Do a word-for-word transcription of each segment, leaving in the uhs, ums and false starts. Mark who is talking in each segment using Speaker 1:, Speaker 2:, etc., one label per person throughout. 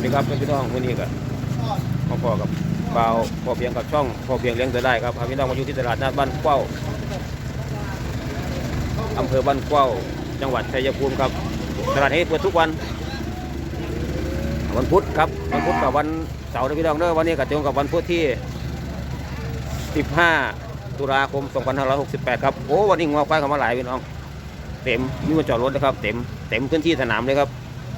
Speaker 1: ดีครับพี่น้องวันนี้ก็มาพอกับบ่าวพอเพียงกับช่องพอเพียงเลี้ยงจะได้ครับพี่น้องมาอยู่ที่ตลาดนัดบ้านเข้าอำเภอบ้านเข้าจังหวัดชัยภูมิครับตลาดนี้เปิดทุกวันวันพุธครับวันพุธกับวันเสาร์นะพี่น้องเนอะวันนี้ก็ตรงกับวันพุธที่สิบห้าตุลาคมสองพันห้าร้อยหกสิบแปดครับโอ้วันนี้งอควายเข้ามาหลายพี่น้องเต็มมีคนจอดรถนะครับเต็มเต็มพื้นที่สนามเลยครับ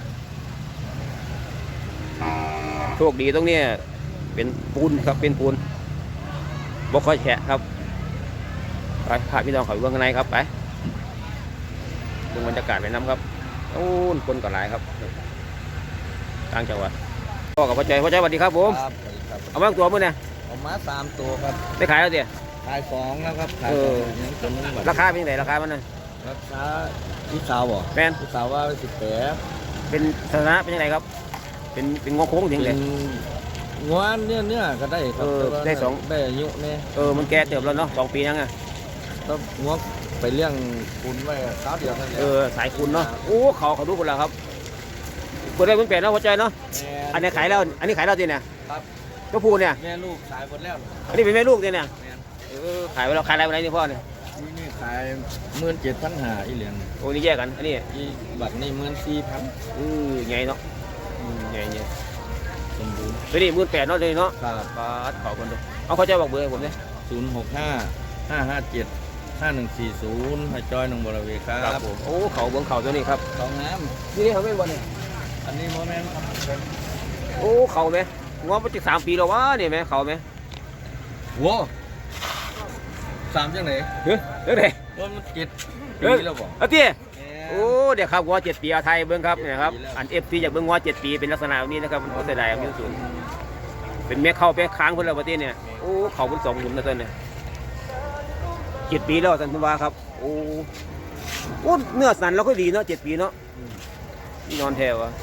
Speaker 1: โชคดีตรงนี้เป็นปูนครับเป็นปูนบ่ค่อยแฉะครับไปพาพี่น้องเขาอยู่ข้างในครับไปดูบรรยากาศไปน้ำครับโอ้คนก็หลายครับต่างจังหวัดพ่อกับพ่อใจพ่อใจสวัสดีครับผมเอามาตัวมื่อเนี่ย
Speaker 2: เอามาสามตัวครับ
Speaker 1: ได้ขายแล้วเดี๋ยว
Speaker 2: ขายสองแล้วครับขายสอง
Speaker 1: ราคาเป็นยังไงราคามันนะ
Speaker 2: ราคาพี่สาวบ่
Speaker 1: แมน
Speaker 2: พี่สาวว่าสิบแปด
Speaker 1: เป็นสถานะเป็นยังไงครับเป็นเป็นงอโค้งถึงเลย
Speaker 2: งวนเนี่ยเนี่ยก็ได้
Speaker 1: ครับได้สอง
Speaker 2: ได้อายุเนี่ย
Speaker 1: เออมันแก่เติบแล้วเนาะสองปียังไง
Speaker 2: ต้องงวไปเลี้ยงคุณไว้เท้าเดียวนั่นแหละ
Speaker 1: เออสายคุณเนาะโอ้เขาเขาดูคนละครับคนได้เพิ่งเปลี่ยนนะหัวใจเนาะอันนี้ขายแล้วอันนี้ขายแล้วจริงเนี่ย
Speaker 2: ครับ
Speaker 1: ก็พูเนี่ย
Speaker 2: แม่ลูกขายหมดแล้ว
Speaker 1: อันนี้เป็นแม่ลูกจริงเนี่ยเออขายไปแล้วขายอะไรไปไหนนี่พ่อเนี่ย
Speaker 2: นี่ขายหมื่นเจ็ดพันหาอีเหรียญ
Speaker 1: โอ้นี่แยกกันอันนี้
Speaker 2: อีบัตรนี่หมื่นสี่พัน
Speaker 1: อือใหญ่เนาะใหญ่ใหญ่
Speaker 2: สมบูรณ์
Speaker 1: ตัวนี้หมื่นแปดเนาะเลยเนาะ
Speaker 2: ครับ
Speaker 1: ปาดเขาคนดูเอาเขาจะบอกเบอร์ผมเนี่ย
Speaker 2: ศูนย์หกห้าห้าห้าเจ็ดห้าหนึ่งสี่ศูนย์ให้จอยนงบริเวณครับ
Speaker 1: ผมโอ้เขาเบื้องเขาตัวนี้ครับ
Speaker 2: เขางาม
Speaker 1: นี่นี่เขาไม่บอลเนี่ย
Speaker 2: อันนี้โมเมนต์ครับ
Speaker 1: โอ้เขาไหมงอมาจากสามปีแล้ววะนี่ไหมเขาไหม
Speaker 2: โว้สามจังไหน
Speaker 1: เฮ้ยเฮ้ยเฮ้ย
Speaker 2: มันเจ็ดปีแล้วบ่
Speaker 1: เอาเตี้ยโอ้เดี๋ยวครับงอเจ็ดปีอาไทยเบื้องครับเนี่ยครับอันเอฟซีจากเบื้องงอเจ็ดปีเป็นลักษณะแบบนี้นะครับมันเสียดายมีศูนย์เป็นเมียเข้าไปค้างคนละประเทศเนี่ยโอ้เขาเป็นสองหลุมนะต้นเนี่ยเจ็ดปีแล้วสันติวาครับโอ้โอ้เนื้อสันเราก็ดีเนาะเจ็ดปีเนาะนอนแถวอะ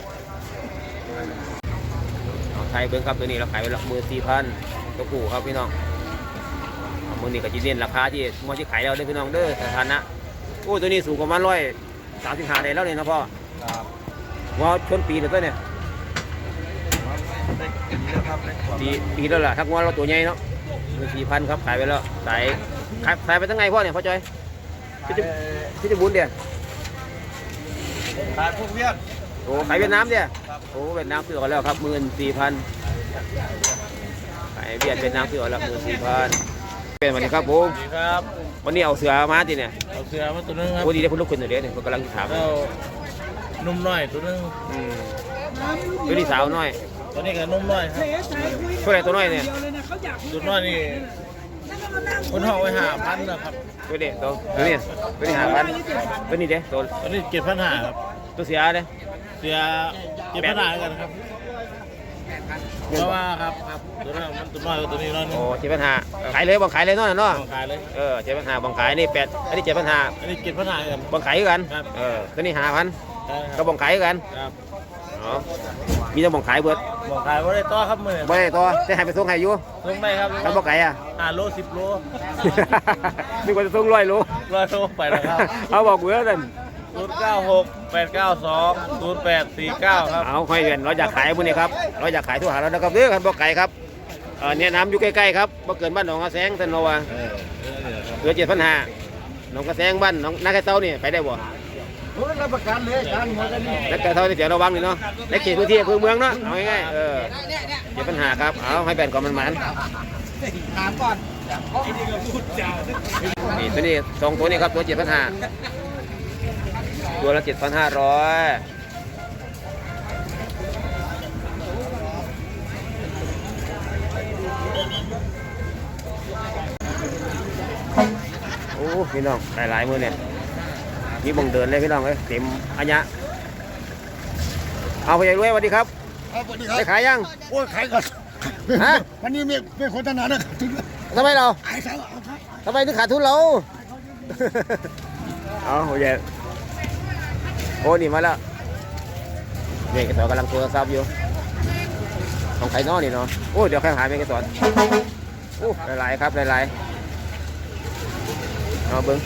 Speaker 1: ไทยเบิ้งครับตัวนี้เราขายไปละหมื่นสี่พันตัวกูครับพี่น้องมือนี้ก็จีเน้นราคาที่มอที่ขายเราได้พี่น้องเด้อสถานะโอ้ตัวนี้สูงประมาณร้อยสามสิบห้าได้แล้วเนี่ยนะพ่อว่าชนปีเลยตัวเนี่ยปีปีแล้วล่ะทักว่าเราตัวใหญ่เนาะหมื่นสี่พันครับขายไปแล้วสายขายขายไปตั้งไงพ่อเนี่ยพ่อจอยพี่จะพี่จะบุญเดียว
Speaker 2: ขายพวกเวียด
Speaker 1: โอ้ขายเวียดนามเดียวโอ้เวียดนามซื้อกันแล้วครับหมื่นสี่พันขายเวียดเวียดนามซื้อกันแล้วหมื่นสี่พันเป็นวันนี้ครับผม
Speaker 2: ครับ
Speaker 1: วันนี้เอาเสือมาทีเนี่ย
Speaker 2: เอาเสือมาตัวนึงครับ
Speaker 1: โอ้ดีได้คุณลูกคุณตัวเดียวเนี่ยผมกำลังถาม
Speaker 2: นุ่มน้อยตัวนึง
Speaker 1: ตัวนี้สาวน้อย
Speaker 2: ตัวนี้ก็นุ่มน้อยครับ
Speaker 1: เท่าไหร่ตัวน้อยเนี่ย
Speaker 2: ตัวน้อยนี่คนห้องไว้หาพันนะครับ
Speaker 1: ตัวเด็กตัวตัวนี้ตัวนี้หาพันตัวนี้เด้ตัว
Speaker 2: ตัวนี้เจ็ดพันหาครับ
Speaker 1: ตัวเสียเด้
Speaker 2: เสียเจ็ดพันหากันครับเพราะว่าครับครับตัวนั้นมันตัวน้อยตัวนี้น้อย
Speaker 1: โอ้เจ็ดพันหาขายเลยบังขายเลยน้อยเนาะ
Speaker 2: บังขายเลย
Speaker 1: เออเจ็ดพันหาบังขายนี่แปดอันนี้เจ็ดพันหา
Speaker 2: อันนี้เจ็ดพันหากัน
Speaker 1: บังขายกันเออตัวนี้หาพันก็บังขายกันอ๋อมีแต่บังขายเบิด
Speaker 2: บังขายว่าได้ต่อครับมือ
Speaker 1: ไม่ได้ต่อจะให้ไปส่งให้อยู่
Speaker 2: ส่งได้ครับ
Speaker 1: ถ้าบังขายอ่ะ
Speaker 2: ห้าโลสิบโล
Speaker 1: มีคนจะส่งร้อยโล
Speaker 2: ร้อยโลไปแล้วครับ
Speaker 1: เอาบอกเบื่อเลย
Speaker 2: ศูนย์เก้าหกแปดเก้าสองศูนย์แปดสี่เก้าครับ
Speaker 1: เอาค่อยเวียนเราอยากขายพวกนี้ครับเราอยากขายทั่วหาเรานะครับเด้อครับบ่ไก่ครับเออเนี่ยน้ำอยู่ใกล้ๆครับบ่เกินบ้านหนองกระแสงท่านโนวาเหลือเจ็ดพันห้าหนองกระแสงบ้านหนองนาแก่เต้านี่ไปได้บ่
Speaker 2: รับประกันเลยการหมดแล้วนี่
Speaker 1: นาแก่เต้านี่เดี๋ยวระวังนี่เนาะในเขตพื้นที่อำเภอเมืองเนาะเอาง่ายๆเออเจ็ดพันห้าครับเอาให้แบ่งก่อนมันมัน
Speaker 2: ถามก่อน
Speaker 1: นี่ตัวนี้สองตัวนี้ครับตัวเจ็ดพันห้าตัวละเจ็ดพันห้าร้อยโอ้พี่น้องหลายหลายมือเนี่ยนี่บังเดินเลยพี่น้องเลยเต็มอันยะเอาไปใหญ่รวยสวัสดีครับได้ขายยัง
Speaker 3: โอ้ยขายก่อนฮะวันนี้ไม่ไม่โฆษณานะ
Speaker 1: ทำไมเรา
Speaker 3: ขายซะ
Speaker 1: ทำไมถึงขาดทุนเราเอาโอ้ยโอ้นี่มาแล้วเนี่ยกระสอนกำลังโทรศัพท์อยู่ของใครน้อนี่เนาะโอ้เดี๋ยวแค่หายไปกระสอนโอ้หลายๆครับหลายๆเอาเบิ้ง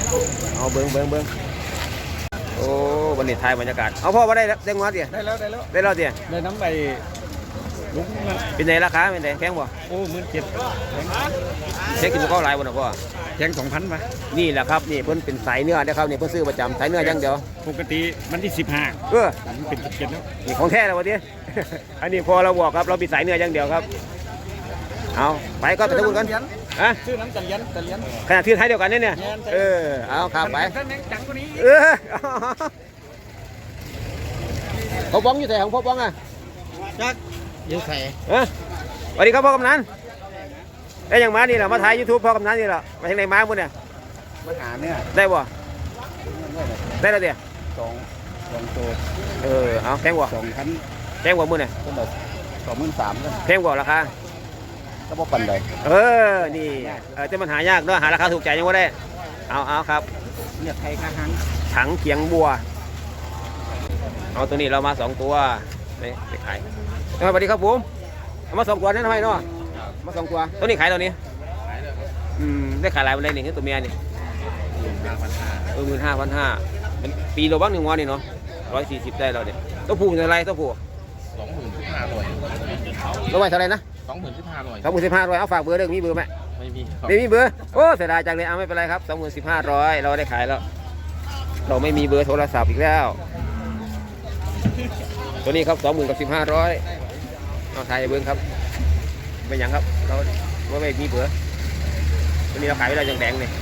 Speaker 1: เอาเบิ้งเบิ้งเบิ้งโอ้วันนี้ถ่ายบรรยากาศเอาพ่อมาได้แล้วเด้งมาเดี๋ยว
Speaker 3: ได้แล้วได้แล้ว
Speaker 1: ได้แล้วเดี๋ยว
Speaker 3: ได้น้ำใบลุกนะ
Speaker 1: เป็นไงราคาเป็นไงแพงบ่
Speaker 3: โอ้หมื่นเจ็ด
Speaker 1: แพงกินข้าวหลายบ่นะพ่อ
Speaker 3: แทงสองพันมา
Speaker 1: นี่แหละครับนี่เพิ่นเป็นสายเนื้อนะครับนี่เพิ่นซื้อประจำสายเนื้ออย่างเดียว
Speaker 3: ปกติมันที่สิบห้า
Speaker 1: เออ
Speaker 3: มันเป็นสิบเจ็ดแล้ว
Speaker 1: นี่ของแท้แล้ววะที อันนี้พอเราบอกครับเราเป็นสายเนื้ออย่างเดียวครับเอาไปก็ไปทำบุญกันฮะ
Speaker 3: ชื่อน้ำจันยันจันยัน
Speaker 1: ขนาดที่ไทยเดียวกันเนี่ยเนี่ยเออเอาครับไป
Speaker 3: ท่านแมงจังกว่านี้
Speaker 1: เออพ่อบ้องอยู่ไหนของพ่อบ้องอ่ะ
Speaker 3: จักเยอะใส่
Speaker 1: เออสวัสดีครับพ่อกำนันได้ยังมานี่แหละมาถ่ายยูทูบพ่อกำนันนี่แหละมาทางไหนมาบุญเนี่ย
Speaker 3: ปัญหาเนี่ย
Speaker 1: ได้บ่ได้แล้วเดี๋ยว
Speaker 3: สองสองตัว
Speaker 1: เออเอาแพงกว่า
Speaker 3: สองพัน
Speaker 1: แพงกว่ามือเนี่ย
Speaker 3: ก็แบบสองหมื่นสามกัน
Speaker 1: แพงกว่าราคา
Speaker 3: ก็บอกปันใด
Speaker 1: เออนี่เออจะมันหายากเนาะหาราคาถูกใจยังว่าได้เอาเอาครับ
Speaker 3: เนี่ยไทยข้าหัง
Speaker 1: ถังเขียงบัวเอาตัวนี้เรามาสองตัวนี่ไปขายสวัสดีครับผมเอามาสองตัวนั่นทำไมเนาะมาสองตัวตัวนี้ขายตัวนี้อืมได้ขายหลายวันเลยนี่คือตัวเมียนี่เออหมื่นห้าพันห้าเป็นปีโลบ้างหนึ่งวันนี่เนาะร้อยสี่สิบได้เราเนี่ยตัวผู้เป็นอะไรตัวผู้
Speaker 2: สองหมื่นสิบห้าร้อย
Speaker 1: ตัวใหม่เท่าไหรนะ
Speaker 2: สองหมื่นสิบห้าร้อย
Speaker 1: สองหมื่นสิบห้าร้อยเอาฝากเบอร์เด้อมีเบอร์ไหม
Speaker 2: ไม่มีครับ
Speaker 1: ไม่มีเบอร์โอ้เสียดายจังเลยเอาไม่เป็นไรครับสองหมื่นสิบห้าร้อยเราได้ขายแล้วเราไม่มีเบอร์โทรศัพท์อีกแล้วตัวนี้ครับสองหมื่นกับสิบห้าร้อยเอาถ่ายเบอร์ครับไม่หยังครับเราไม่มีเบอร์ตัวนี้เราขายไปแล้วยังแดงเลย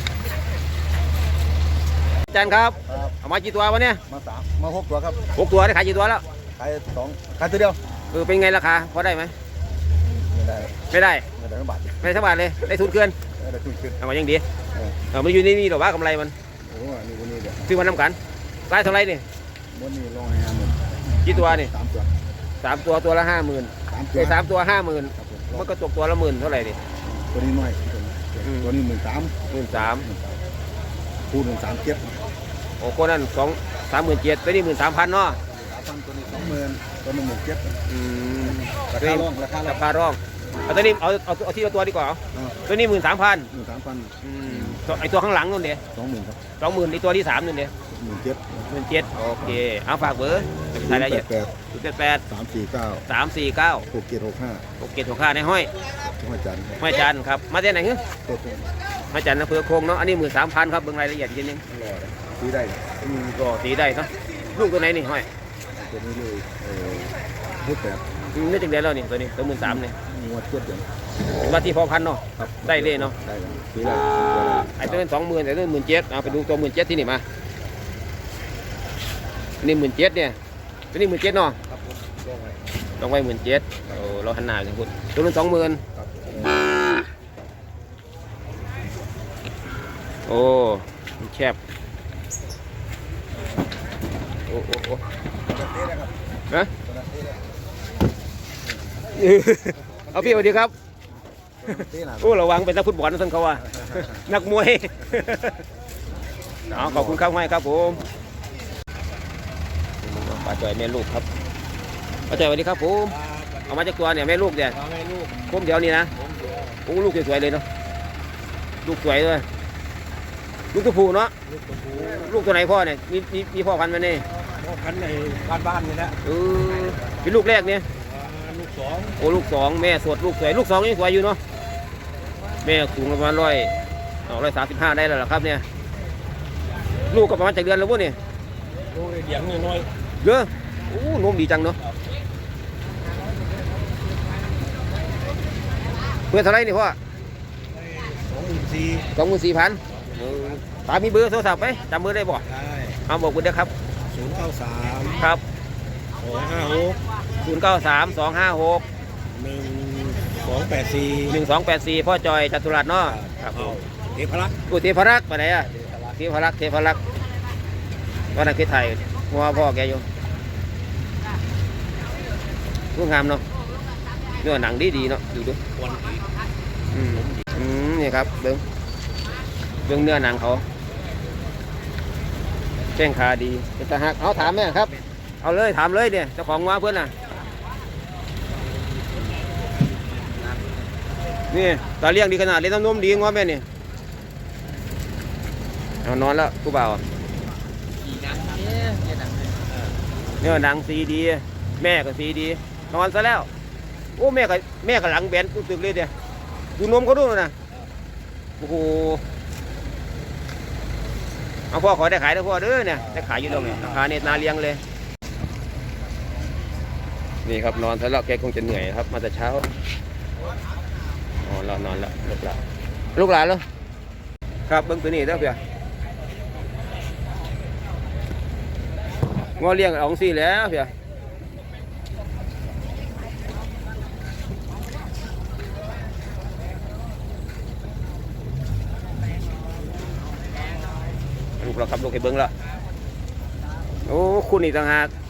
Speaker 1: อาจารย์ครับเอามากี่ตัววะเนี่ย
Speaker 3: มาสามมาหกตัวครับ
Speaker 1: หกตัวได้ขายกี่ตัวแล้ว
Speaker 3: ขายสองขายตัวเดียว
Speaker 1: เออเป็นไงราคาพอได้ไหม
Speaker 3: ไม่ได้
Speaker 1: ไม่ได้
Speaker 3: ไม่ได้บาท
Speaker 1: ไม่ได้สักบาทเลยได้ทุนเกิน
Speaker 3: ไม่ได้ทุนขึ้น
Speaker 1: เอามายังดีเออมันอยู่นี่นี่หรอว่ากำไรมัน
Speaker 3: โอ้นี่วันนี้เดี๋ยว
Speaker 1: ซื้อมาน้ำกันรายเท่าไรนี่
Speaker 3: วันนี้ลงให้ห้าหมื่น
Speaker 1: กี่ตัวนี่
Speaker 3: สามตัว
Speaker 1: สามตัวตัวละห้าหมื่น
Speaker 3: สามตั
Speaker 1: ไอ้
Speaker 3: ว
Speaker 1: สามตัวห้าหมื่น
Speaker 3: ครับผม
Speaker 1: มันก็ตกตัวละหมื่นเท่าไหร่ดิ
Speaker 3: ตัวนี้น้อยตัวนี้หมื่นสาม
Speaker 1: หมื่นสาม
Speaker 3: คูณหนึ่งสามเจ็ด
Speaker 1: โอ้คนนั้นสองสามหมื่นเจ็ดตัวนี้หมื่นสามพันเนาะ
Speaker 3: สามพันตัวนี้สองหมื่นตัวนึงหมื่นเจ็ด
Speaker 1: อืม
Speaker 3: ราคาร่องราคาร่อ
Speaker 1: ราง คาร่องเอาตัวนี้เอาเอาเอาที่ละตัวดีกว่าเอา
Speaker 3: อ่า
Speaker 1: ตัวนี้หมื่นสามพัน
Speaker 3: หมื่นสามพัน
Speaker 1: ไอตัวข้างหลังนู่นเดีย
Speaker 3: สองหมื่นครับ
Speaker 1: สองหมื่นไอตัวที่สามนู่นเดีย
Speaker 3: หมื่นเจ็ด
Speaker 1: หมื่นเจ็ดโอเคเอาฝากเบอร์รายละเอียด
Speaker 3: แปด
Speaker 1: ศูนย์แปดแปด
Speaker 3: สามสี่เก้า
Speaker 1: สามสี่เก้า
Speaker 3: หกเจ็ดหกห้า
Speaker 1: หกเจ็ดหกห้าในห้อย
Speaker 3: จังหวัดจันทร์
Speaker 1: ห้อยจันทร์ครับมาจากไหนฮึ
Speaker 3: ตัวตรง
Speaker 1: ห้อยจันทร์อำเภอโคงเนาะอันนี้หมื่นสามพันครับเบิ่งรายละเอียดอีกทีนึง
Speaker 3: รอเลยซื้อได้
Speaker 1: อืมก็ตีได้เนาะลูกตัวไหนนี่ห้อย
Speaker 3: ตัวนี้เลยเออพูดแปด
Speaker 1: อืมนี่จังเดียวแล้วนี่ตัวนี้ตัวหมื่นสามเนี่ย
Speaker 3: งวดเจ็ดเดือน
Speaker 1: เป็นว่าที่พอพันเนาะ
Speaker 3: ครับ
Speaker 1: ได้เลยเนาะ
Speaker 3: ได้เลยซื้อได้
Speaker 1: ไอ้ตัวนั้นสองหมื่นแต่ตัวนั้นหมื่นเจ็ดเอาไปดูตัวหมื่นเจ็ดที่นี่มาอันนี่หมื่นเจ็ดเนี่ยตัวนี้หมื่นเจ็ดเนาะ
Speaker 3: ครับผมลงไป
Speaker 1: ลองไว้หมื่นเจ็ดโอ้เราหันหน้าจังคุณตัวนั้นสองหมื่น
Speaker 3: ครับผม
Speaker 1: โอ้มันแคบโอ้โอ้โอ้
Speaker 3: ตัวนั้นเต้ได้ครับ
Speaker 1: ฮะ
Speaker 3: ตัวนั้นเต้ได้
Speaker 1: เอาพี่สวัสดีครับ
Speaker 3: ตัวนั้นเต้หนา
Speaker 1: โอ้ระวังเป็นนักฟุตบอลนะท่านเขาว่า นักมวย เอาขอบคุณครับให้ครับผมป้าจ่อยแม่ลูกครับป้าจ่อยสวัสดีครับผมเอามาจากตัวเนี่ยแม่ลูกเนี่ย
Speaker 3: เอาให้ลูก
Speaker 1: ผมเดี๋ยวนี้นะ
Speaker 3: ผมเดียว
Speaker 1: โอ้ลูกสวยๆเลยเนาะลูกสวยเลยลูกตัวผู้เนาะ
Speaker 3: ลูกตัวผู้
Speaker 1: ลูกตัวไหนพ่อเนี่ยมีมีมีพ่อพันธุ์ไหมเนี่ย
Speaker 3: พ่อพันธุ์ในบ้านบ้านนี่แหละ
Speaker 1: เออเป็นลูกแรกเนี่ย
Speaker 3: อ่าลูกสอง
Speaker 1: โอ้ลูกสองแม่สดลูกสวยลูกสองยังสวยอยู่เนาะแม่สูงประมาณร้อยร้อยสามสิบห้าได้แล้วเหรอครับเนี่ยลูกก็ประมาณจากเดือนแล้วพวกนี่
Speaker 3: ลูกเดียงน้อย
Speaker 1: เยอะโอ้นมดีจังเนาะเพื่อเท่าไรนี่พ่อ
Speaker 3: สองหมื่นสี่
Speaker 1: สองหมื่นสี่พันตามีเบอร์โทรศัพท์ไหมจำเบอร์ได้บ่
Speaker 3: ได้
Speaker 1: เอาบอกคุณเด้อครับ
Speaker 3: ศูนย์เก้าสาม
Speaker 1: ครับ
Speaker 3: สองห้าหก
Speaker 1: ศูนย์เก้าสามสองห้าหก
Speaker 3: หนึ่งสองแปดสี่
Speaker 1: หนึ่งสองแปดสี่พ่อจอยจัตุรัสเนาะครับผม
Speaker 3: เทพรักษ์
Speaker 1: กูเทพรักษ์ไปไหนอะเทพรักษ์เทพรักษ์วันนั้นคือไทยมัวพ่อแกอยู่รูปงามเนาะเนื้อหนังดีดีๆเนาะดูดู
Speaker 3: วันนี้
Speaker 1: อืมอืมนี่ครับเบิ้งเบิ้งเนื้อหนังเขาแจ้งขาดีเป็นตาหักเอาถามแม่ครับ เอาเลยถามเลยเนี่ยเจ้าของว่าเพื่อนน่ะนี่ตาเลี้ยงดีขนาดเลี้ยงน้ำนมดีงอแม่นี่เอานอนแล้วผู้บ่าวเนี่ยหนังสีดีแม่ก็สีดีนอนซะแล้วโอ้แม่ก็แม่ก็หลังแบนตึกเลยเดียดูนมเขาดูนะโอ้โหเอาพ่อขอได้ขายได้พ่อเด้อเนี่ยได้ขายอยู่ตรงนี้ราคาเนี่ยนาเลี้ยงเลยนี่ครับนอนซะแล้วแกคงจะเหนื่อยครับมาแต่เช้าอ๋อเรานอนแล้วลูกหลานลูกหลานแล้วครับเบิ้งตัวนี้เด้อเพี่ยงอเลี้ยงเอาสี่แล้วเพี่ยลูกเราครับลูกให้เบิ้งแล้วโอ้คุณอีกต่างหาก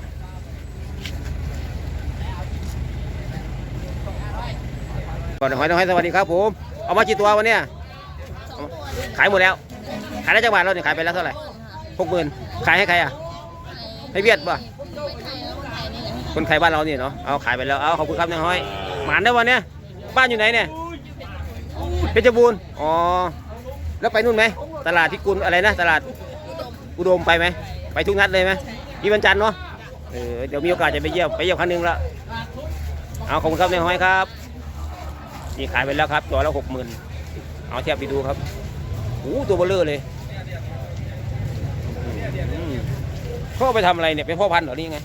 Speaker 1: ก่อนหอยน้อยสวัสดีครับผมเอามากี่ตัววันเนี้ยขายหมดแล้วขายได้จังหวัดเราเนี่ยขายไปแล้วเท่าไหร่หกหมื่นขายให้ใครอ่ะให้เวียดป่ะคนไทยบ้านเราเนี่ยเนาะเอาขายไปแล้วเอาขอบคุณครับนายห้อยหมานได้วันเนี้ยบ้านอยู่ไหนเนี่ยเพชรบูรณ์อ๋อแล้วไปนู่นไหมตลาดที่กุลอะไรนะตลาดอุดมไปไหมไปทุกนัดเลยไหมที่วันจันทร์เนาะเออเดี๋ยวมีโอกาสจะไปเยี่ยมไปเยี่ยมครั้งนึงละเอาขอบคุณครับนายห้อยครับนี่ขายไปแล้วครับตัวละหกหมื่นเอาเทียบไปดูครับโอ้ตัวเบลเลอร์เลยเขาเอาไปทำอะไรเนี่ยเป็นพ่อพันธุ์เหรอนี่ไง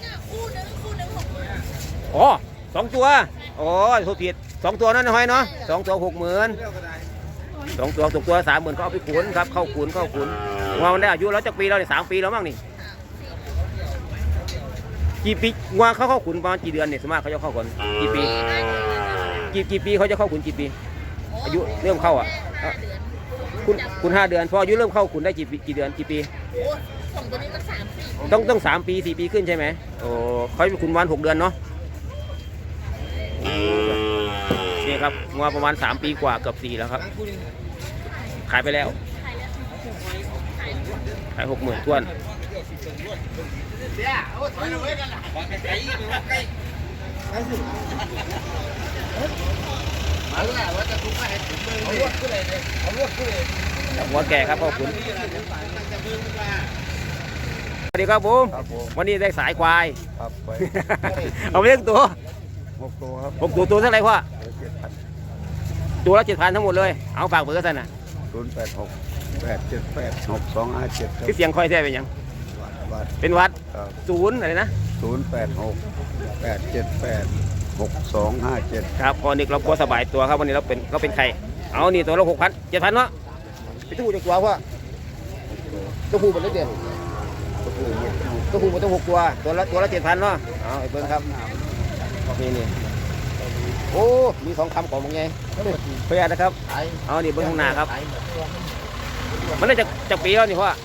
Speaker 1: อ๋อสองตัวอ๋อถูกผิดสองตัวนั่นนะห้อยเนาะสองตัวหกหมื่นสองตัวตกตัวสามหมื่นเขาเอาไปขุนครับเข้าขุนเข้าขุนงวมันได้อายุแล้วจากปีแล้วเนี่ยสามปีแล้วมั้งนี่กี่ปีงวเขาเข้าขุนประมาณกี่เดือนเนี่ยสมมติเขาจะเข้าขุนกี่ปีกี่กี่ปีเขาจะเข้าขุนกี่ปีอายุเริ่มเข้าอ่ะคุณคุณห้าเดือนพออายุเริ่มเข้าขุนได้กี่กี่เดือนกี่ปี
Speaker 4: ส่งตัวนี้มันสามปี
Speaker 1: ต้องต้องสามปีสี่ปีขึ้นใช่ไหมโอ้เขาขุนวันหกเดือนเนาะนี่ครับงวประมาณสามปีกว่าเกือบสี่แล้วครับขายไปแล้วขายหกหมื่นทวนหัวแก่ครับพ่อขุนสวัสดีครับผมวันนี้ได้สายควายเอาไปเลี้ยงตัว
Speaker 3: หกตัวครับ
Speaker 1: หกตัวตัวเท่าไหร่พ่อตัวละเจ็ดพันทั้งหมดเลยเอาฝากเบอร์กันนะ
Speaker 3: ศูนย์แปดหกแปดเจ็ดแปดหกสองห้าเจ็ด
Speaker 1: ที่เสียงคอยแท้เป็นยังเป็นวัดศูนย์อะไรนะ
Speaker 3: ศูนย์แปดหกแปดเจ็ดแปดหกสองห้าเจ็ด
Speaker 1: ครับพอนี่เราพอสบายตัวครับวันนี้เราเป็นเราเป็นใครเอานี่ตัวละหกพันเจ็ดพันเนาะไปตู้จากตัวพ่อตัวผู้เป็นเล็กเดียวตัวผู้มันต้องหกตัวตัวละตัวละเจ็ดพันเนาะเอาไอ้เบิ้งครับนี่นี่โอ้มีสองคำของมึงไงเพื่อนนะครับเอานี่เบิ้งข้างหน้าครับมันได้จากจากปีแล้วนี่พ่อ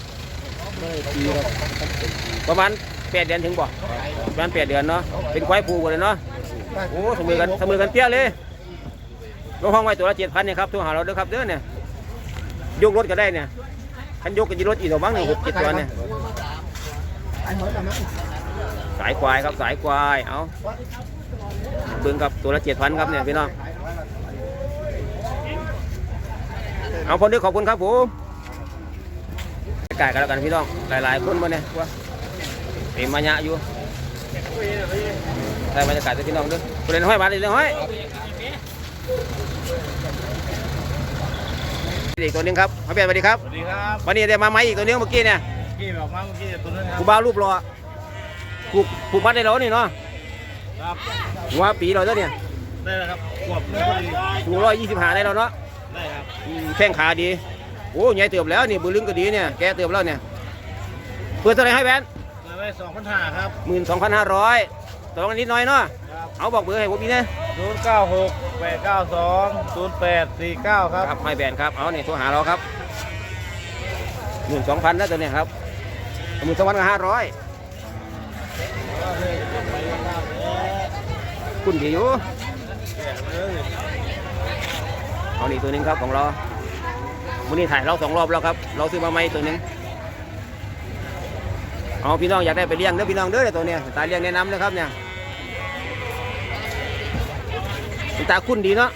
Speaker 1: ประมาณแปดเดือนถึงบ่ประมาณแปดเดือนเนาะเป็นควายผูกเลยเนาะโอ้สมือกันสมือกันเปี้ยเลยลงห้องไว้ตัวละเจ็ดพันเนี่ยครับตัวหาเราเด้อครับเด้อเนี่ยยกรถก็ได้เนี่ยคันยกกันยีรถอีกตัวบ้างหนึ่งหกเจ็ดตัวเนี่ยสายควายครับสายควายเอาเบิ้งกับตัวละเจ็ดพันครับเนี่ยพี่น้องเอาคนนี้ขอบคุณครับผมไก่กันแล้วกันพี่น้องหลายๆคนมาเนี่ยว่าเต็มมาเยอะอยู่ใส่บรรยากาศพี่น้องด้วยประเด็นห้อยบาทเลยห้อยอีกตัวนึงครับมาเปลี่ยนสวัสดีครับ
Speaker 2: สวัสดีครับ
Speaker 1: วันนี้ได้มาไหมอีกตัวนึงเมื่อกี้เนี่ย
Speaker 2: เมื่อกี้แบบมาเมื่อกี้ตัวนึงครับ
Speaker 1: กูบ้ารูปรอผูกผูกมัดได้แล้วนี่เนาะ
Speaker 2: ครับ
Speaker 1: หัวปีเราแล้วเนี่ย
Speaker 2: ได้แล้วครับขวบนึงพอดี
Speaker 1: สูงร้อยยี่สิบห้าได้แล้วเนาะ
Speaker 2: ได้ครับ
Speaker 1: แข้งขาดีโอ้ใหญ่เติบแล้วนี่บือลึงก็ดีเนี่ยแกเติบแล้วเนี่ยเปิดเท่าไรให้แบน
Speaker 2: เปิดไว้สองพันห้าครับ
Speaker 1: หมื่นสองพันห้าร้อยต่อรองนิดหน่อยเนาะเอาบอกเบอร์ให้ผมพี่นะ
Speaker 2: ศูนย์เก้าหกแปดเก้าสองศูนย์แปดสี่เก้าครับ
Speaker 1: ครับให้แบนครับเอาเนี่ยโทรหาเราครับหมื่นสองพันนะตัวเนี้ยครับหมื่นสองพันกับห้าร้อยคุณดีอยู่เอานี่ตัวนึงครับของเราวันนี้ถ่ายเราสองรอบแล้วครับเราซื้อมาใหม่ตัวนึงเอาพี่น้องอยากได้ไปเลี้ยงเด้อพี่น้องเด้อตัวเนี้ยตาเลี้ยงแนะนำนะครับเนี่ยตาคุ้นดีเนาะ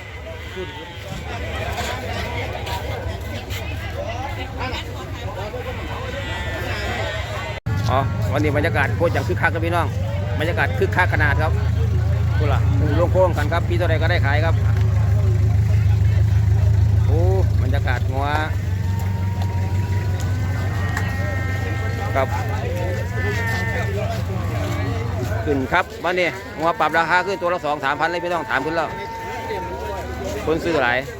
Speaker 1: อ๋อวันนี้บรรยากาศโคตรอย่างคึกคักครับพี่น้องบรรยากาศคึกคักขนาดครับกูล่ะลงโค้งกันครับพี่เท่าไรก็ได้ขายครับโอ้บรรยากาศงัวครับขึ้นครับวันนี้งัวปรับราคาขึ้นตัวละสองสามพันเลยพี่น้องถามขึ้นแล้วคนซื้อหลาย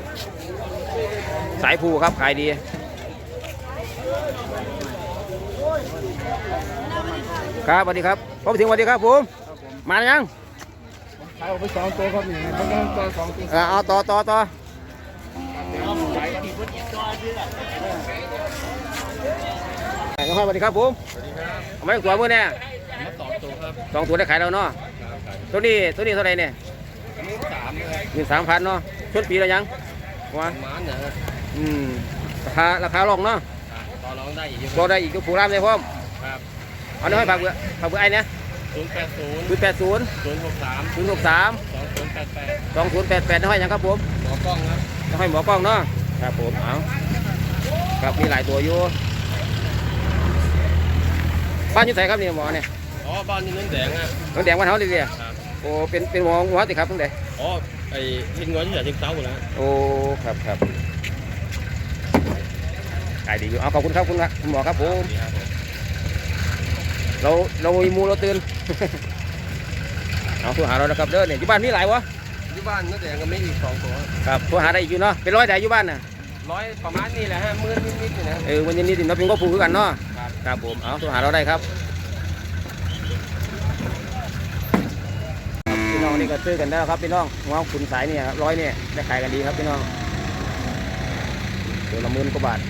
Speaker 1: สายภูครับขายดีครับสวัสดีครับพบถึงสวัสดีครับผมมายัง
Speaker 3: ขายออกไปสองตัวครับนี่ต้องต้องตัวสองตัว
Speaker 1: อ่าเอาต่อต่อต่อน้องพ่อสวัสดีครับผมเอาไม่ตัวมือเนี่ย
Speaker 2: มาสองตัวครับ
Speaker 1: สองตัวได้ขายแล้วเนาะตัวนี้ตัวนี้เท่าไหร่เนี่ย
Speaker 2: อันนี้สามเลย
Speaker 1: หนึ่งสามพันเนาะชนปีแล้วยังวะ
Speaker 2: หมาเนี่ย
Speaker 1: อืมราคาราคาลงเนาะ
Speaker 2: ต่อรองได้อีก
Speaker 1: ก็ได้อีกก็ผูรามเลยพ่อม
Speaker 2: ครับ
Speaker 1: เอาหน่อยฝากเบื่อฝากเบื่อไอ้เนี่ย
Speaker 2: ศูนย์แปดศูนย์
Speaker 1: ศูนย์แปดศูนย์
Speaker 2: ศูนย์หกสาม
Speaker 1: ศูนย์หกสาม
Speaker 2: สองศูนย์แปดแปด
Speaker 1: สองศูนย์แปดแปดน้อยยังครับผม
Speaker 2: หมอกล้องครับ
Speaker 1: น้อยหมอกล้องเนาะครับผมเอาครับมีหลายตัวอยู่บ้านอยู่ไหนครับเนี่ยหมอเนี่ย
Speaker 2: อ๋อบ้านนี้น้ำแดงอ่ะ
Speaker 1: น้องแดงวันเฮาเลยเนี่ย
Speaker 2: ครับ
Speaker 1: โอ้เป็นเป็นหมอหัวติครับตั้งแต่
Speaker 2: อ๋อไอ้ทิ้งเงินที่ไหนทิ้งเต้าหมดแล้ว
Speaker 1: โอ้ครับครับขายดีอยู่เอาขอบคุณครับคุณครับคุณหมอครับผม
Speaker 2: ดีครับ
Speaker 1: เราเรามีมูเราตื่น เอาโทรหาเรานะครับเด้อเนี่ยอยู่บ้านมีหลายวะ
Speaker 2: ที่บ้านน้ำแดงก็ไม่อีกสองตัว
Speaker 1: ครับโทรหาได้อีกอยู่เนาะเป็นร้อยแต่อยู่บ้านน่ะ
Speaker 2: ร้อยประมาณนี้แหละฮะหมื่นนิดๆนี่นะ
Speaker 1: เออวันนี้ติดเราเป็นก็ผูกกันเนาะ
Speaker 2: ครับ
Speaker 1: ครับผมเอาโทรหาเราได้ครับพี่น้องนี่ก็ซื้อกันได้แล้วครับพี่น้องหัวขุนสายเนี่ยครับร้อยเนี่ยได้ขายกันดีครับพี่น้องตัวละหมื่นกว่าบาท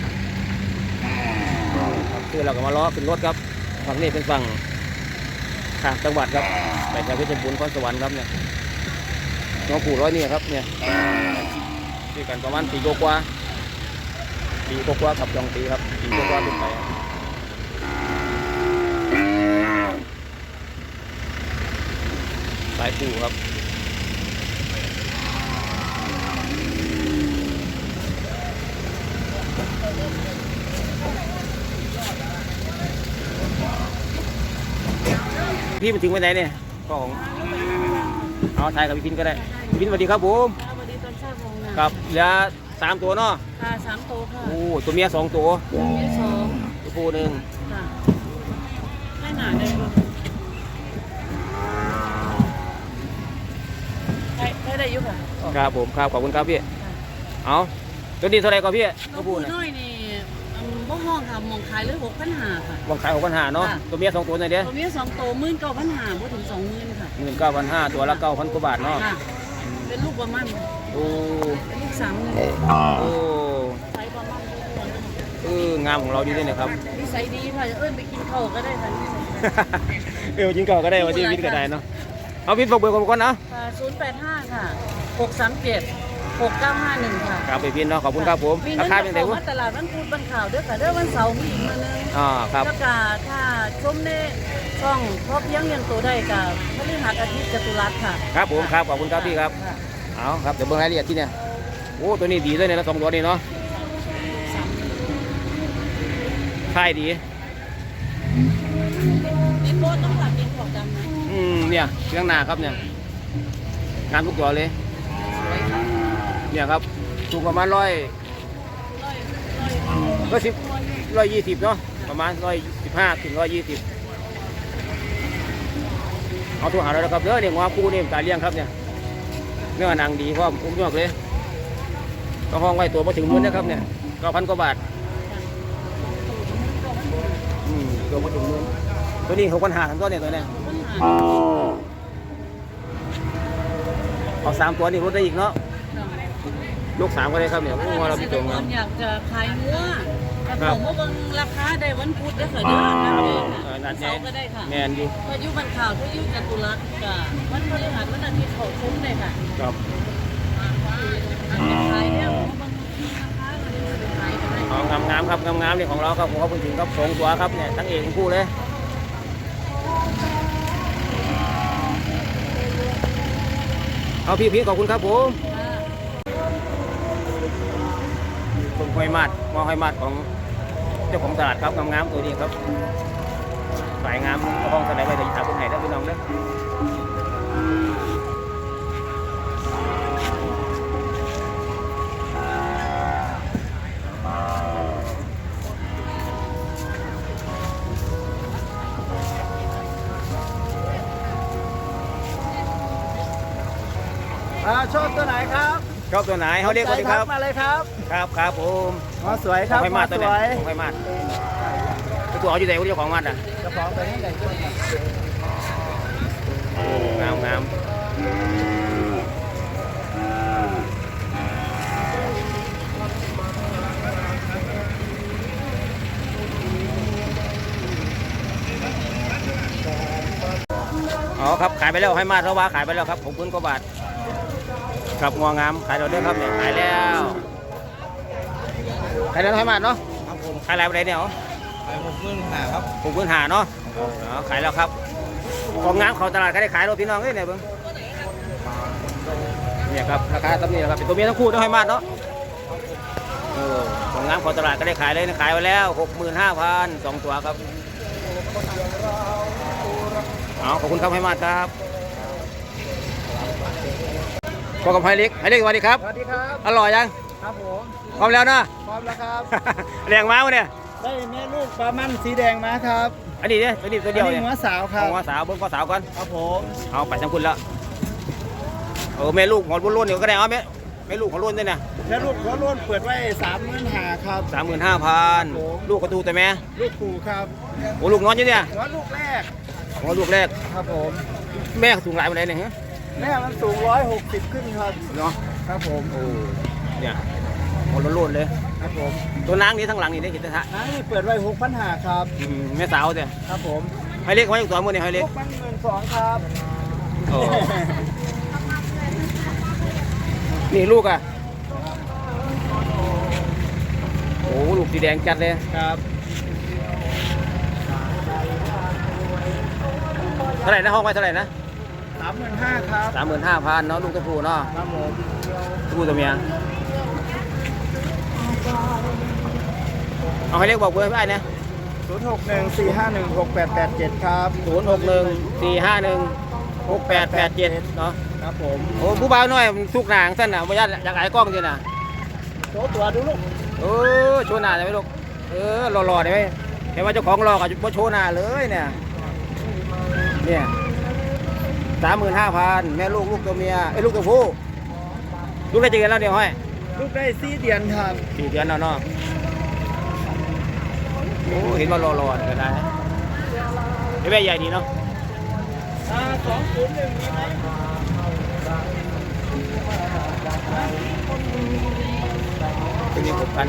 Speaker 1: ครับซื้อเราก็มาล้อขึ้นรถครับฝั่งนี้เป็นฝั่งทางจังหวัดครับไปทางเพชรบูรณ์นครสวรรค์ครับเนี่ยหัวผูร้อยเนี่ยครับเนี่ยซื้อกันประมาณปีกว่าๆปีกว่าๆขับจองปีครับปีกว่าๆขึ้นไปครับสายปูครับพี่มันถึงไปไหนเนี่ยก็ของเอาถ่ายกับพี่พินก็ได้พี่พินสวัสดีครับผม
Speaker 4: สวัสดีตอนเช้าโมงนะครับ
Speaker 1: เหลือสามตัวเนาะ
Speaker 4: ค่ะสามโตค่ะ
Speaker 1: โอ้ตัวเมียสองตัว
Speaker 4: มีสอง
Speaker 1: ตัวผู้หนึ่ง
Speaker 4: ค่ะไม่หนาเลยลูกได้ได้ได้อยุค่ะ
Speaker 1: ครับผมครับขอบคุณครับพี่เอาตัวนี้เท่าไหรก็พี่
Speaker 4: ตั
Speaker 1: ตัว ว
Speaker 4: ผู้
Speaker 1: ผู้นะ
Speaker 4: น้อยนี่อืมบ่ห้องค่ะมองขายเลยหกพันหาค่ะ
Speaker 1: วางขายหกพันห้าเนาะ
Speaker 4: ค่ะ
Speaker 1: ตัวเมียสองตัวไหนเดียว
Speaker 4: ตัวนี้สองโตหมื่นเก้าพันหาบ่ถึงสองหมื่นค่ะ
Speaker 1: หมื่นเก้าพันห้าตัวละเก้าพันกว่าบาทเนาะ
Speaker 4: ค่ะ เป็นลูกประมัน
Speaker 1: โอ้
Speaker 4: เป็นลูกสามหมื่น
Speaker 1: โอ้
Speaker 4: ใช้ประมันทุกคน
Speaker 1: เอองามของเราดีด้วยนะครับ
Speaker 4: นิสัยดีค่ะเอิ้นไปกินข้าวก็ได้ค่ะนิสัยดี
Speaker 1: เออจริงก็ก็ได้วันที่วิทย์ก็ได้เนาะเอาพิษบอกเบอร์ผมก่อนนะ
Speaker 4: ค่ะศูนย์แปดห้าค่ะหกสามเจ็ดหกเก้าห้าหนึ่งค่ะ
Speaker 1: ครับไปพินเนาะขอบคุณครับผม
Speaker 4: มี
Speaker 1: รา
Speaker 4: เงิน
Speaker 1: คา
Speaker 4: จะ
Speaker 1: เป็นไง
Speaker 4: เข้าว
Speaker 1: ะ
Speaker 4: มาตลาดวันพุธวันข่าวเด้อค่ะเด้อวันเสาร์มีอีกมื้อนึง
Speaker 1: อ่าครับ
Speaker 4: แล้วก็ถ้าชมในช่องพอเพียงยังตัวได้กับพฤหัสอาทิตย์จตุรัสค่ะ
Speaker 1: ครับผมครับขอบคุณครับพี่ครับ
Speaker 4: ะ
Speaker 1: เอาครับเดี๋ยวเบิ่งรายละเอียดที่เนี่ยโอ้ตัวนี้ดีด้วยเนี่ยนะสองตัวนี้เนาะค่ายดี
Speaker 4: นี่โบต้องหลับเป็นของดำนะ
Speaker 1: อืมเนี่ยเรื่องหนาครับเนี่ยงานทุกตัวเลย
Speaker 4: สวยค่ะ
Speaker 1: เนี่ยครับสูงประมาณร้อย
Speaker 4: ร้อยร้อย
Speaker 1: ร้อยสิบร้อยยี่สิบเนาะประมาณร้อยสิบห้าถึงร้อยยี่สิบเอาตัวหาเราแล้วครับเด้อเนี่ยงอคู่นี่ตายเลี้ยงครับเนี่ยเนื้อหนังดีพร้อมอุ้มยอกเลยก็ห้องไว้ตัวมาถึงหมื่นนะครับเนี่ยเก้าพันกว่าบาทอืมตัวมาถึงหมื่นตัวนี้หกพันห้าทั้งตัวเนี่ยตัวเนี้ย
Speaker 4: ปัญหา
Speaker 1: เอาสามตัวนี่ลดได้อีกเนาะลูกสามก็ได้ครับเนี่ยโอ้เรา
Speaker 4: เก
Speaker 1: พี่
Speaker 4: ษ
Speaker 1: ต
Speaker 4: ต
Speaker 1: ร
Speaker 4: รง ก
Speaker 1: เนาะ
Speaker 4: รอยากจะขายเนื้อแต่ผมว่าเบิ่งราคาได้วันพุธเด้อค่ะเด้อนัดเอง
Speaker 1: เออนั
Speaker 4: ค่ะ
Speaker 1: ดแน่
Speaker 4: เสาร์ก็ได้ค่ะ
Speaker 1: แมนดี
Speaker 4: พายุบันข่าวพายุจตุรัสกับวันพฤหัสวันอาทิตย์เขาคุ้มเลยค่ะ
Speaker 1: ครับ
Speaker 4: อันเป็นขายเนี่ยผมว่าบางทีราคาเราเนี่ยขายกันได้
Speaker 1: เอางามงามๆครับงามงามๆนี่ของเราครับผมเขาพูดถึงครับสองตัวครับเนี่ยทั้งเอกทั้งคู่เลยเอาพี่พี่ขอบคุณครับผมผมหอยมัดมอหอยมัดของเจ้าของตลาดครับงามๆตัวนี้ครับสายงามกระห้องสไลด์ไปแต่ถามคนไหนได้พี่น้องเด้อ
Speaker 5: อ่าชอบตัวไหนครับ
Speaker 1: ชอบตัวไหนเขาเรียกว่าดีครับ
Speaker 5: มาเลยครับ
Speaker 1: ครับครับผม
Speaker 5: มาสวยครับ
Speaker 1: ไฟมาด
Speaker 5: ส
Speaker 1: ตัว
Speaker 5: ว
Speaker 1: ไหน
Speaker 5: ย
Speaker 1: ไฟมาดตัวเอาอยู่ไหนเจ้าของมัดอ่ะ
Speaker 5: กระป๋องตัวนี้ใหญ่ขึ้น
Speaker 1: โอ้งามงามอ๋อครับขายไปแล้วให้มาดแล้วว่าขายไปแล้วครับผมพื้นกว่าบาทครับงองามขายเราเด้อครับเนี่ยขายแล้วขายแล้วให้มาดเนาะ
Speaker 2: ครับผม
Speaker 1: ขายอะไรไปเนี่ยเหรอ
Speaker 2: ไปหกหมื่นห้าครับ
Speaker 1: ผมพื้นหาเนาะอ๋อขายแล้วครับของงามเขาตลาดก็ได้ขายรถพี่น้องเอ้ยเนี่ยเบิ้งเนี่ยครับราคาตำนี้แหละครับเป็นตัวเมียทั้งคู่ต้องให้มาดเนาะเออของงามเขาตลาดก็ได้ขายเลยนะขายไปแล้วหกหมื่นห้าพันสองตัวครับเอาขอบคุณครับให้มาดครับพบกับไฮเล็กไฮเล็กสวัสดีครับ
Speaker 5: สวัสดีครับ
Speaker 1: อร่อยยัง
Speaker 5: ครับผม
Speaker 1: พร้อมแล้วนะ
Speaker 5: พร้อมแล้วครับ
Speaker 1: เลี้ยงม้าวะเนี่ย
Speaker 5: ได้แม่ลูกปลามันสีแดงมาครับ
Speaker 1: อันนี้เนี่ยตัวนี้ตัวเดียว
Speaker 5: อัน
Speaker 1: เนี่
Speaker 5: นี้
Speaker 1: ย
Speaker 5: หัวสาวครั
Speaker 1: เอา
Speaker 5: บ
Speaker 1: หัวสาวเบิ้งข้อสาวก่อน
Speaker 5: ครับผม
Speaker 1: เอาไปทั้งคุณแล้วเออแม่ลูกหัวรุ่นๆเนี่ยก็ได้เอาแม่แม่ลูกหัวรุ่นด้วยนะ
Speaker 5: แม่ลูกหัวโล้นเปิดไว้สามหมื่นห้าครับ
Speaker 1: สามหมื่นห้าพันลูกกระตูแต่แม่
Speaker 5: ลูกปู่ครับ
Speaker 1: โอ้ลูกน้อยอยู่เนี่ย
Speaker 5: หัวลูกแรก
Speaker 1: หัวลูกแรก
Speaker 5: ครับผม
Speaker 1: แม่สูงหลายปานใดเนี่ยฮะ
Speaker 5: แม่มันสูงร้อยหกสิบขึ้นครับ
Speaker 1: เนาะ
Speaker 5: ครับผม
Speaker 1: โอ้เนี่ยหัวรุ่นๆเลย
Speaker 5: ครับผม
Speaker 1: ตัวนางนี้ทั้งหลังนี่ได้เห็นแต่ทะ
Speaker 5: น้านี่เปิดไว้หกพันห้าครับ
Speaker 1: อืมแม่สาวเนี่ย
Speaker 5: ครับผม
Speaker 1: ให้เล็กไว้อีกตัวมือเนี่ยให้เล็
Speaker 5: ลู
Speaker 1: ก
Speaker 5: กมันหมื่นสองครับ
Speaker 1: โอ้นี่ลูกอ่ะโอ้ลูกสีแดงจัดเลย
Speaker 5: ครับ
Speaker 1: เท่าไหร่นะห้องไว้เท่าไหร่นะ
Speaker 5: สามหมื่นห้าครับ
Speaker 1: สามหมื่นห้าพันเนาะลูกตัวผู้เนาะ
Speaker 5: ครับผม
Speaker 1: ตัวผู้ตัวเมียเอาให้เล็กบอกเบอร์ให้ได้นะ
Speaker 5: ศูนย์หกหนึ่งสี่ห้าหนึ่งหกแปดแปดเจ็ดครับ
Speaker 1: ศูนย์หกหนึ่งสี่ห้าหนึ่งหกแปดแปดเจ็ดเนาะ
Speaker 5: ครับผม
Speaker 1: โอ้ผู้บ่าวน้อยมันสุกหนางสั้นน่ะบ่ยัดอยากหายกล้องจริงน่ะ
Speaker 5: โชว์ตัวดูลูก
Speaker 1: เออโชว์หน้าได้ไหมลูกเออหล่อๆได้ไหมเห็นว่าเจ้าของหล่อกับบ่โชว์หน้าเลยเนี่ยเนี่ยสามหมื่นห้าพันแม่ลูกลูกตัวเมียไอ้ยลูกตัวผู้ลูกได้เจอกันแล้วเดี๋ยวให้
Speaker 5: ลูกได้สี่เดือนครับ
Speaker 1: สี่เดือนแล้วเนาะโอ้เห็นว่าหล่อๆก็ได้ไอ้แม่ใหญ่ดีเนาะ
Speaker 5: อ่าสองศูนย์หนึ่งมีไหม
Speaker 1: เป็นยังหกพัน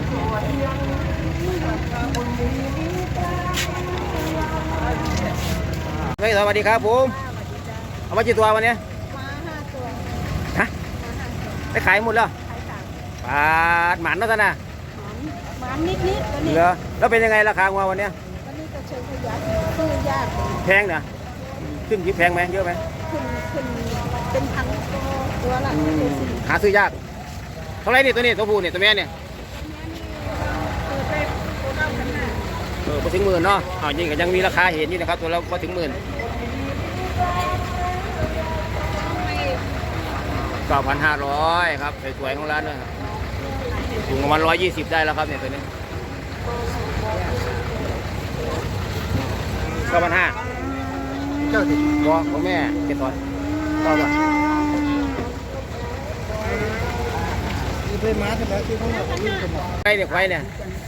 Speaker 1: เฮ้ยสวัสดีครับผมเอามากี่ตัววันนี้
Speaker 6: มาห้าตัว
Speaker 1: ฮะไปขายหมดแล้ว
Speaker 6: ขายสาม
Speaker 1: ปาดหมันแล้วท่านน่ะ
Speaker 6: หมันนิดนิดๆวันนี้
Speaker 1: เหรอแล้วเป็นยังไงราคาวัววันเนี้ย
Speaker 6: วันนี้ก็เชิญขยันซื้อยาก
Speaker 1: แพงเนี่ยขึ้นยิบแพงไหมเยอะไหม
Speaker 6: ขึ้นขึ้นเป็นพันตัวตัวละ
Speaker 1: อื
Speaker 6: ตัว
Speaker 1: ม
Speaker 6: สี่
Speaker 1: หาซื้อยากเท่าไหรนี่ตัวนี้ตัวผู้เนี่ยตัวแม่เนี่ย
Speaker 6: เปิดไปตัวเก้าพันห้า
Speaker 1: เออพอถึงหมื่นเนาะอ้าวจริงก็ยังมีราคาเห็นนี่นะครับตัวเราพอถึงหมื่นเก้าพันห้าร้อยครับสวยๆของร้านนะครับสูงประมาณร้อยยี่สิบได้แล้วครับเนี่ยตัวนี้เก้าพันห้าเจ้าสิบอของแม่เจ็ดร้อยเก้าบาท
Speaker 5: มีเพลมาใช่ไหมที่เขาบอกวิ่งกันหมด
Speaker 1: ไข่เนี่ยไข่เนี่ย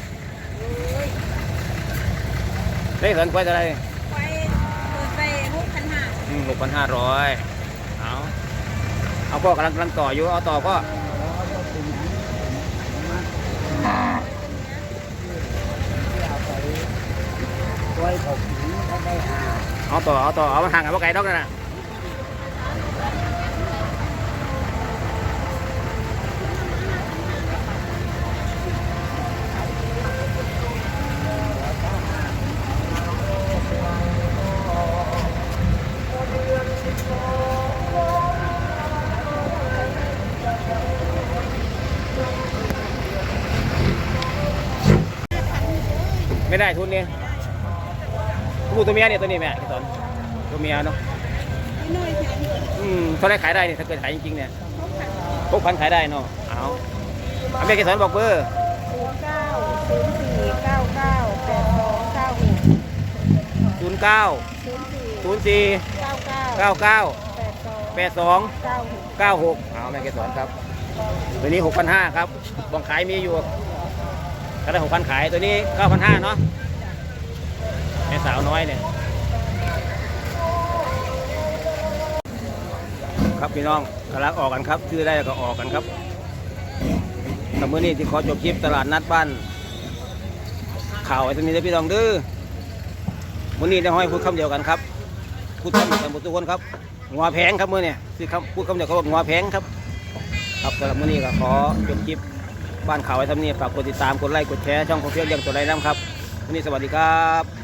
Speaker 1: ได้เหินไข่เท่าไหร
Speaker 6: ไปเปิดไปหกพันห้า
Speaker 1: หกพันห้าร้อยเอาเอาพ่อกำลังกำลังต่ออยู่เอาต่อพ่อเอาต่อเอาต่อเอามาห่างกับพ่อไก่ดอกนั่นน่ะไม่ได้ทุนนี่ลูกตัวเมียเนี่ยตัวนี้แม่ที่สอนตัวเมียเนาะ
Speaker 6: น้อยแค่นี้
Speaker 1: อืมเท่าไรขายได้เนี่ยถ้าเกิดขายจริงๆเนี่ยพกพันขายได้เนาะเอาเอาแม่ที่สอนบอกเบอร์
Speaker 6: ศูนย์เก้าศูนย์สี่เก้าเก้าแปดสองเก้าหก
Speaker 1: ศูนย์เก้า
Speaker 6: ศูนย์สี่
Speaker 1: ศูนย์สี่
Speaker 6: เก้าเก้า
Speaker 1: เก้าเก้า
Speaker 6: แปดสอง
Speaker 1: แปดสอง
Speaker 6: เก้าหก
Speaker 1: เก้าหกเอาแม่ที่สอนครับตัวนี้หกพันห้าครับบองขายมีอยู่ก็ได้หกพันขายตัวนี้เก้าพันห้าเนาะแม่สาวน้อยเนี่ยครับพี่น้องกำลังออกกันครับชื่อได้ก็ออกกันครับแต่เมื่อนี้ที่ขอจบคลิปตลาดนัดบ้านข่าวไอ้ตัวนี้ได้พี่น้องดื้อมื่อนี้ได้ห้อยพูดคำเดียวกันครับพูดคำเดียวกันหมดทุกคนครับงัวแพงครับมื่อนี้คือคำพูดคำเดียวกันว่างัวแพงครับครับสำหรับมื่อนี้ก็ขอจบคลิปบ้านข่าวไอ้ทำนี้ฝากกดติดตามกดไลค์กดแชร์ช่องของเพื่อนเลี้ยงตัวไรน้ำครับวันนี้สวัสดีครับ